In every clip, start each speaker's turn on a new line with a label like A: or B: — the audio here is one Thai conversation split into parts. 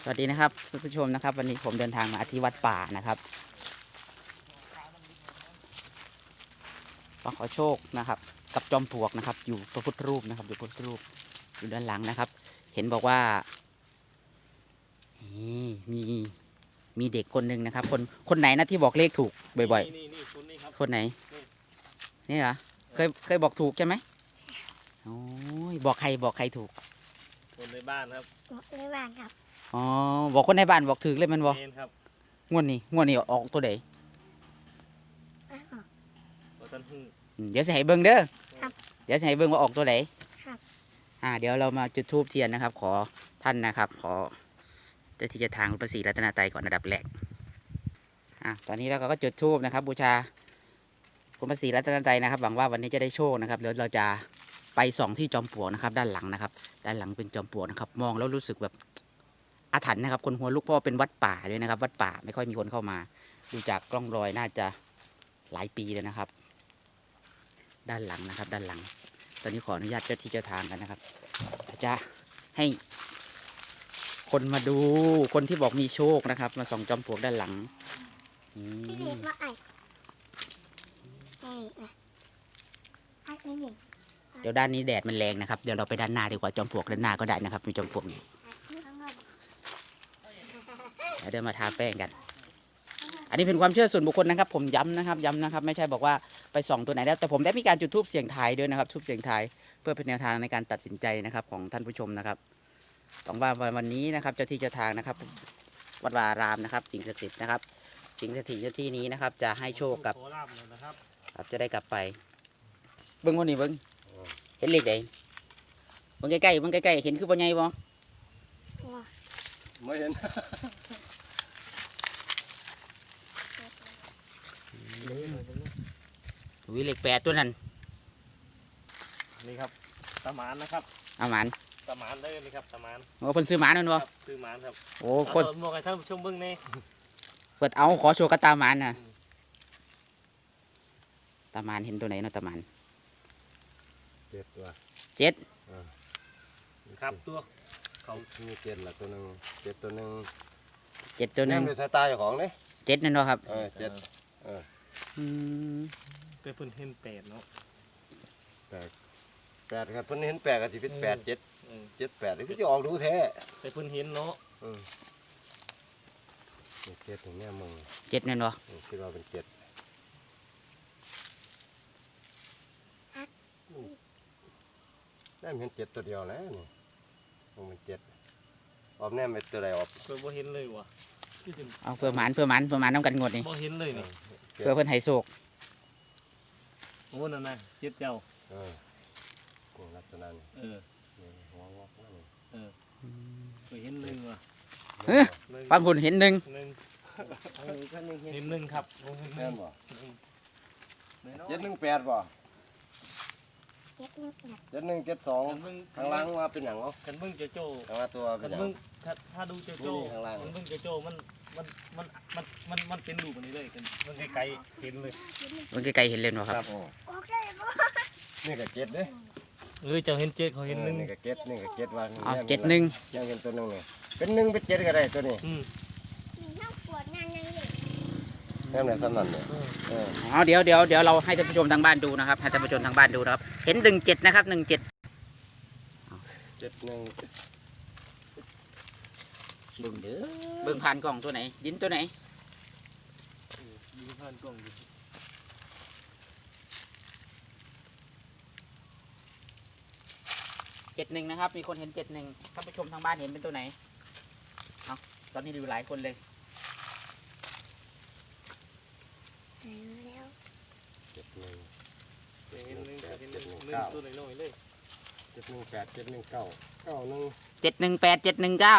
A: สวัสดีนะครับท่านผู้ชมนะครับวันนี้ผมเดินทางมาที่วัดป่านะครับมาขอโชคนะครับกับจอมปลวกนะครับอยู่พระพุทธรูปนะครับอยู่พระพุทธรูปอยู่ด้านหลังนะครับ เห็นบอกว่านี่มีเด็กคนหนึ่งนะครับคนไหนนะที่บอกเลขถูกบ่อย
B: นี่คนนี้ครับ
A: ๆคนไหนนี่เหรอเคยบอกถูกใช่ไหมโอ้ยบอกใครถูก
B: คนในบ้านครับ
C: ในบ้านครับ
A: อ๋อบอกคนในบ้านบอกถูกเลยมันบอก
B: เมนครับ
A: งวดนี้ออกตัวไหน
B: ตัวตันหู
A: เดี๋ยวจะให้เบิ้งเด้อ
C: ครับ
A: เดี๋ยวจะให้เบิ้งว่าออกตัวไหน
C: ครับ
A: เดี๋ยวเรามาจุดธูปเทียนนะครับ ขอท่านนะครับ ขอเจ้าที่เจะทางพระศรีรัตนตรัยก่อนอันดับแรกตอนนี้เราก็จุดธูปนะครับ บูชาคุณพระศรีรัตนตรัยนะครับหวังว่าวันนี้จะได้โชคนะครับเดี๋ยวเราจะไปส่องที่จอมปลวกนะครับ ด้านหลังนะครับ ด้านหลังเป็นจอมปลวกนะครับ มองแล้วรู้สึกแบบอาถรรพ์นะครับ คนหัวลุกเพราะว่าเป็นวัดป่าด้วยนะครับ วัดป่าไม่ค่อยมีคนเข้ามาดูจากกล้องรอยน่าจะหลายปีเลยนะครับ ด้านหลังนะครับ ด้านหลัง ตอนนี้ขออนุญาตเจ้าที่เจ้าทางกันนะครับจะให้คนมาดูคนที่บอกมีโชคนะครับ มาส่องจอมปลวกด้านหลัง
C: พี่เด็กมาไอ้
A: เดี๋ยวด้านนี้แดดมันแรงนะครับเดี๋ยวเราไปด้านหน้าดีกว่าจอมปลวกด้านหน้าก็ได้นะครับมีจอมปลวกอยู่เดี๋ยวมาทาแป้งกัน อันนี้เป็นความเชื่อส่วนบุคคลนะครับ ผมย้ำนะครับไม่ใช่บอกว่าไปส่องตัวไหนแล้วแต่ผมได้มีการจุดธูปเสียงทายด้วยนะครับธูปเสียงทายเพื่อเป็นแนวทางในการตัดสินใจนะครับของท่านผู้ชมนะครับต้องว่าวันนี้นะครับเจ้าที่เจ้าทางนะครับวัดวารามนะครับสิ่งศักดิ์สิทธิ์นะครับสิ่งศักดิ์สิทธิ์ที่นี้นะครับจะให้โชคกับจะได้กลับไปเบิ้งคนนี้เบิ้งเห็นเลขใดเบิ้งใกล้เห็นคือปัญญาบ่
B: ไม่เห็น
A: วิเลข8ตัวนั้น
B: นี่ครับตะหมานนะครับ
A: เอาหมาน
B: ตะหมานได้เลยครับตะหมาน
A: โอ้คนซื้อหมานนั่นบ่
B: ซื้อหมานครับ
A: โอ้คน
B: บอกให้ท่านผู้ชมเบิ้งนี่
A: เปิดเอาขอโชว์กระตาหมานนะตาหมานเห็นตัวไหนเนาะตาหมาน
B: 7 ตัว
A: 7
B: ครับตัวเขามี7ละตัวนึง7ตัวนึง
A: 7ตัวนึง
B: เป็นสไตล์ของนี่
A: 7นั่นเนาะครับ
B: 7แต่เพิ่นเห็น8เนาะ8ครับเพิ่นเห็น8ก็สิเป็น8 7 7 8นี่คือจะออกดูแท้แต่เพิ่นเห็นเนาะ7ถึงแม่มึง
A: 7นั่นเนาะ
B: คิดว่าเป็น7แม่เห็น7ตัวเดียวนะนี่มันเป็น7ออกแน่เป็นตัวใดออกเพิ่นบ่เห็นเลยว่ะ
A: เอาเพื่อหมานน้ำกันงดนี่
B: บ่เห็นเลยนี่
A: เพื่อเพิ่นให้โชค
B: โอ้นั่นน่ะ7เจ้ากูลักษณะนี่หัวงอกนั่นบ่เห็น1ว่ะ
A: ฟังคุณเห็น1
B: เห็น1ครับ
D: แม่นบ่718บ่7172ข้างล่างว่าเป็นหยังเนาะ
B: คันเบิ่งเจ้าโจ้
D: ข้างล่างตัวเป็
B: นหยังถ้าดูเจ้าโจ้
D: ข้างล่าง
B: มันเบิ่งเจ้าโจ้มันเป็นรูปอันนี้เลยมันไกลๆเห็นเลย
A: มันไกลๆเห็นเลยเนาะครับ
D: นี่ก็7เด้
B: เจ้าเห็น7เขาเห็น1
D: นี่ก็7นี่ก็7ว่า
A: 7 1
D: ยังเห็นตัวนึงนี่เป็น1เป็น7ก็ได้ตัวนี้แม่นสำนันเนี่ย
A: เดี๋ยวเราให้ท่านผู้ชมทางบ้านดูนะครับให้ท่านผู้ชมทางบ้านดูนะครับเห็น17นะครับ17 71เบิ่งเด้อเบิ่งผ่านกล่องตัวไหนดินตัวไหน
B: ดินผ่านกล่อง
A: 71นะครับมีคนเห็น71ท่านผู้ชมทางบ้านเห็นเป็นตัวไหนตอนนี้ดูหลายคนเลย
B: ตัวไหนน้อยเลย
D: 718 719 91
A: 718 719เก่า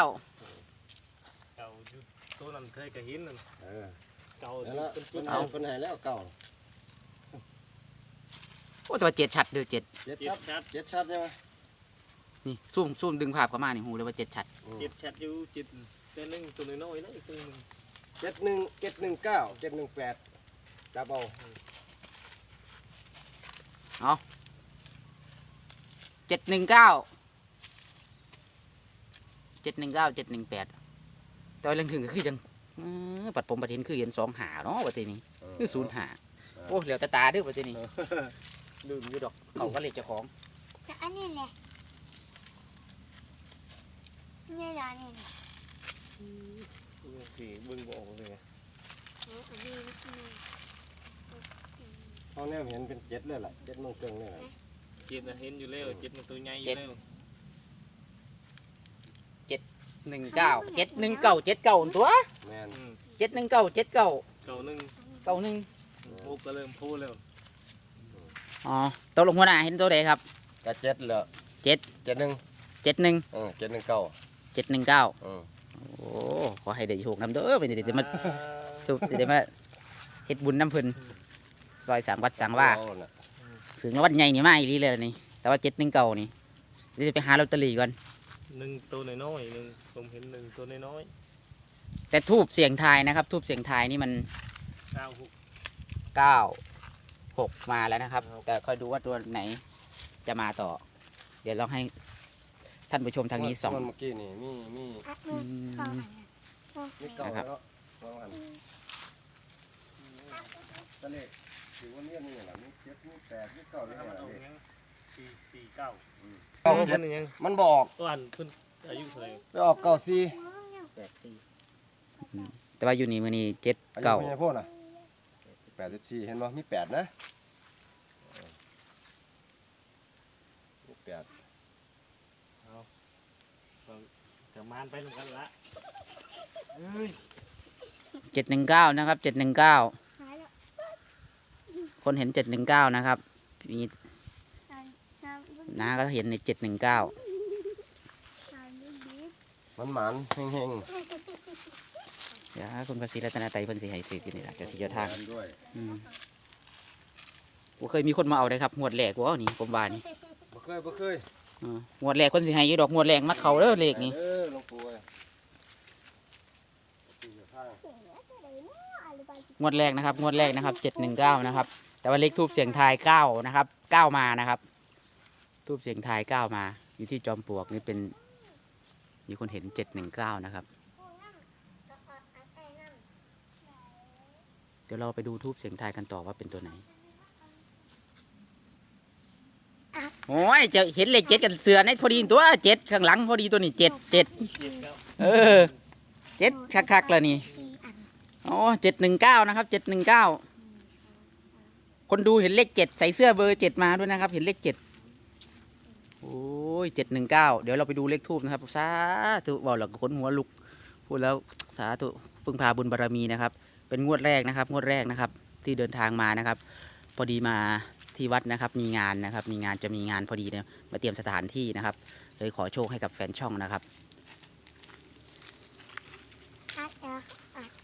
B: ตัวนั้นเคยกระหินนั่นเก่า
D: แล้วเป็นไหนแล้วเก่า
A: โอ้ตัว7ชัดเด้อ7
D: 7ชัดใช่ไหม
A: นี่ซูมดึงภาพเข้ามานี่หูเลยว่า7ชัด
B: 7ชัดอยู่7แต่1ตัวน้อยๆนะอีกตัวนึง
D: 719 718จับเอา
A: 719 718 แต่ว่าเรื่องถึงก็คือจังปัดผมปัดเห็นคือเห็น2 หาเนาะประเทศนี้คือ0 หาโอ้เหลียวตาเด้อประเทศนี้ลืมอยู่ดอกเขาก็เลขเจ้าของ
C: แล้วอันนี้เนี่ยเนี่ยเหรอเนี่ยเนี่ย
B: สี่เบิ่งบ่ออกเลยไง
C: โอ้อันนี้นี่
D: ห้องแนวเห็นเป็นเจ็ดเลยแหละเจ็ดโมงครึ่งเลยแหละ
B: เจ็ดนะเห็นอยู่แล้วเจ็ดมันตัวใหญ่อยู่แล้ว
A: 19 719ตัว
D: แมน
A: 719 79
B: เก่าหนึ่ง
A: 91
B: โอ้ก็เริ่มพูดแล้ว
A: อ๋อตกลงหัวหน้าเห็นตัวใดครับ
D: ก็เจ็ดเลย
A: เจ็ด
D: เจ็ดหนึ่ง
A: 71
D: 719
A: 719โอ้ขอให้ได้โชคนำเด้อไปเดี๋ยวมาสุบเดี๋ยวมาเฮ็ดบุญน้ำเพิ่นซอย3 วัดสังว่าถึงวัดใหญ่นี่มาอีหลีเลยนี่แต่ว่า719นี่เดี๋ยวจะไปหาลอตเตอรี่ก่อน
B: หนึ่งตัวน้อยๆหนึ่งผมเห็นหนึ่งตัวน้อย
A: แต่ทูบเสียงทายนะครับทูบเสียงทายนี่มัน
B: ๆ96
A: 9 6มาแล้วนะครับ แต่ค่อยดูว่าตัวไหนจะมาต่อ เดี๋ยวลองให้ท่านผู้ชมทางนี้ส่อง
D: เมื่อกี้นี่มี
C: อัดมือเข้าอันนั้นโอ้
D: มีเก่าแล้ววางอันตะเลขถือว่าเนี่ยนี่แหละมีเจ็ดมีแปดมีเก้ามี
B: ถ้า
D: ห้า
B: มันออก
D: เลข
B: ยัง449เ
D: เก้า
B: พิ่นยัง
D: มันบอก
B: ตัวอันเพิ่นอายุเท่าไหร่
D: ไปออกเก้าสี่
A: แต่ว่าอยู่นี่มือนี้7
D: อายุ
A: 9
D: เป็นไงพ่อน่ะ84เห็นบ่มี8นะมี8
B: จะมานไปเหมือนกันละ
A: 719นะครับ719
C: หายแล้ว
A: คนเห็น719นะครับมี
C: น้ำ
A: น้าก็เห็นใน719
C: น้ำบีบ
D: มันหมานเฮง
A: เดี๋ยวคุณภาษีรัตนาไตรเพิ่นสิให้ซื้อกินนี่ล่ะเจ้าที่เจ้าทาง
D: ด้วย
A: บ่เคยมีคนมาเอาเลยครับงวดแรกบ่นี่ผมว่านี่
D: บ่เคย
A: งวดแรกคนสิให้อยู่ดอกงวดแรกมาเข้าเด้อเลขนี่
D: หลวงปู่ที่อยู่ทาง
A: งวดแรกนะครับงวดแรกนะครับ719นะครับแต่ว่าเลขทูบเสียงทาย9นะครับ9มานะครับทูบเสียงทาย9มาอยู่ที่จอมปลวกนี่เป็นมีคนเห็น719นะครับเดี๋ยวเราไปดูทูบเสียงทายกันต่อว่าเป็นตัวไหนโอ้ยจะเห็นเลข7กันเสือในพอดีตัว7ข้างหลังพอดีตัวนี้7 7เออ7คักๆแล้วนี่
C: 4 อัน
A: อ๋อ719นะครับ719คนดูเห็นเลข7ใส่เสื้อเบอร์7มาด้วยนะครับเห็นเลข7โอ้ย719เดี๋ยวเราไปดูเลขทูบนะครับสาธุบอกแล้วก็ขนหัวลุกพูดแล้วสาธุพึ่งพาบุญบารมีนะครับเป็นงวดแรกนะครับงวดแรกนะครับที่เดินทางมานะครับพอดีมาที่วัดนะครับมีงานนะครับมีงานจะมีงานพอดีเนี่ยมาเตรียมสถานที่นะครับเลยขอโชคให้กับแฟนช่องนะครับ
C: อัดแล้วอัด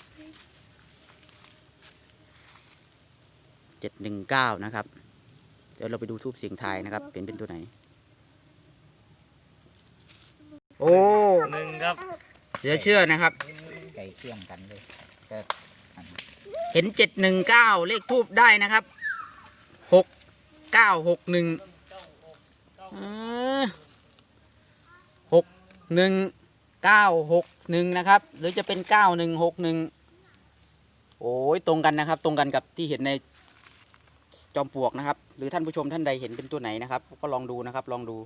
A: 719นะครับเดี๋ยวเราไปดูทูบเสียงทายนะครับเป็นตัวไหนโอ้
B: หนึ่งครับ
A: เดี๋ยวเชื่อนะครับไก่เคี่ยงกันเลยเห็น719เลขทูบได้นะครับ696161961นะครับหรือจะเป็น9161โอ้ยตรงกันนะครับตรงกันกับที่เห็นในจอมปลวกนะครับหรือท่านผู้ชมท่านใดเห็นเป็นตัวไหนนะครับก็ลองดูนะครับลองดู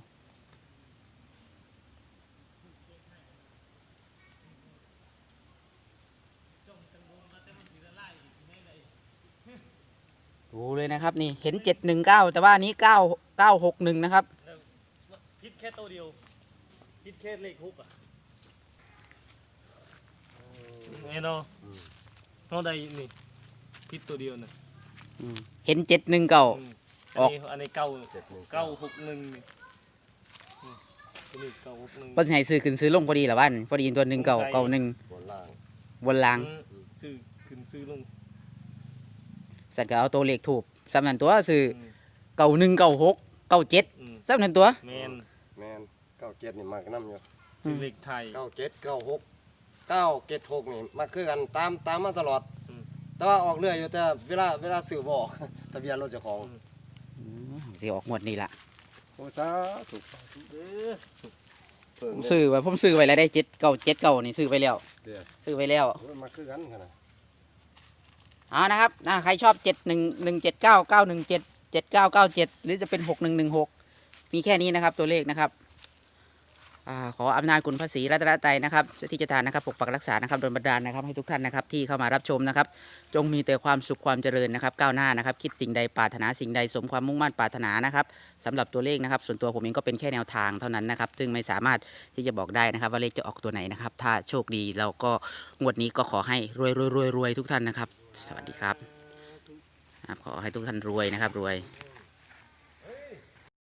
A: ดูเลยนะครับนี่เห็น719แต่ว่าอันนี้9961นะครับ
B: พิษแค่ตัวเดียวพิษแค่เลขฮุกอ่ะไงเนาะเอาใดนี่พิษตัวเดียวน่ะ
A: เห็น719
B: อันนี้961นี่ตัวนี้961
A: เพิ่นให้ซื้อขึ้นซื้อลงพอดีเหรอบ้านพอดีตัว1991
D: บนล่าง
A: บนราง
B: ซื้อขึ้นซื้อลง
A: สัตว์ก็เอาตัวเลขถูกสำนันตัวซื้อ9196 97สำนันตัว
B: แมน
D: แมน97นี่มากนำอยู่
B: ซื้อเลขไทย
D: 97 96 976นี่มาคือกันตามมาตลอด
B: อืม
D: แต่ว่าออกเรื่อยอยู่แต่เวลาซื้อบ่ออก ทะเบียนรถเจ้าของ
A: สิออกงวดนี้ล่ะ
D: โอ้สาธุ
B: เด้อ
D: เพิ่ง
A: ผมซื้อไว้แล้วได้7 9 นี่ซื้อไปแล้ว
D: เดี๋ยว
A: ซื้อไปแล้ว
D: โอ้ยมาคือกันขนาด
A: เอานะครับใครชอบ711799177997หรือจะเป็น6116มีแค่นี้นะครับตัวเลขนะครับขออำนาจคุณพระศรีรัตนตรัยนะครับที่จะทานนะครับปกปักรักษานะครับโดนบันดาลนะครับให้ทุกท่านนะครับที่เข้ามารับชมนะครับจงมีแต่ความสุขความเจริญนะครับก้าวหน้านะครับคิดสิ่งใดปรารถนาสิ่งใดสมความมุ่งมั่นปรารถนานะครับสำหรับตัวเลขนะครับส่วนตัวผมเองก็เป็นแค่แนวทางเท่านั้นนะครับซึ่งไม่สามารถที่จะบอกได้นะครับว่าเลขจะออกตัวไหนนะครับถ้าโชคดีเราก็งวดนี้ก็ขอให้รวยทุกท่านนะครับสวัสดีครับขอให้ทุกท่านรวยนะครับรวย
D: ส